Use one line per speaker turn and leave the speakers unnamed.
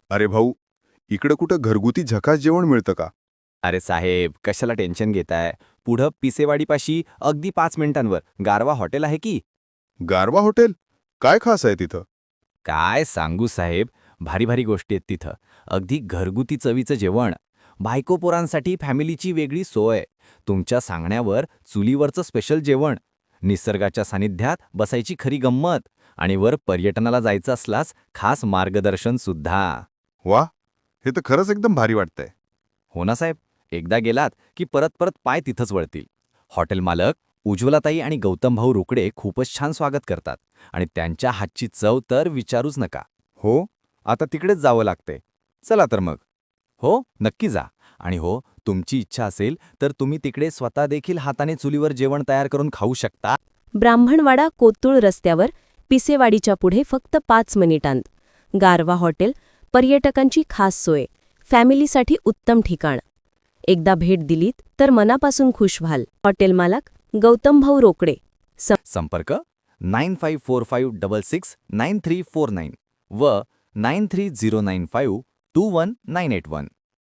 अरे भाऊ, इकडं कुठं घरगुती झकास जेवण मिळतं का?
अरे साहेब, कशाला टेन्शन घेताय? पुढं पिसेवाडीपाशी अगदी 5 मिनिटांवर गारवा हॉटेल आहे की.
गारवा हॉटेल? काय खास आहे तिथं?
काय सांगू साहेब, भारी भारी गोष्टी आहेत तिथं. अगदी घरगुती चवीचं जेवण. बायको पोरांसाठी फॅमिलीची वेगळी सोय. तुमच्या सांगण्यावर चुलीवरचं स्पेशल जेवण. निसर्गाच्या सानिध्यात बसायची खरी गंमत. आणि वर पर्यटनाला जायचं असल्यास खास मार्गदर्शन सुद्धा.
वा, हे तर खरंच एकदम भारी वाटतंय.
हो ना साहेब, एकदा गेलात की परत परत पाय तिथंच वळतील. हॉटेल मालक उज्ज्वलाताई आणि गौतम भाऊ रोकडे खूपच छान स्वागत करतात आणि त्यांच्या हातची चव तर विचारूच नका.
हो, आता तिकडेच जावं लागतंय.
चला तर मग. हो, नक्की जा. आणि हो, तुमची इच्छा असेल तर तुम्ही तिकडे स्वतः देखील हाताने चुलीवर जेवण तयार करून खाऊ शकता.
ब्राह्मणवाडा कोत्तूळ रस्त्यावर पिसेवाडीच्या पुढे फक्त 5 मिनिटांत. गारवा हॉटेल, पर्यटकांची खास सोय, फॅमिलीसाठी उत्तम ठिकाण. एकदा भेट दिलीत तर मनापासून खुश व्हाल. हॉटेल मालक गौतमभाऊ रोकडे.
संपर्क 9545669349 व 9309521981.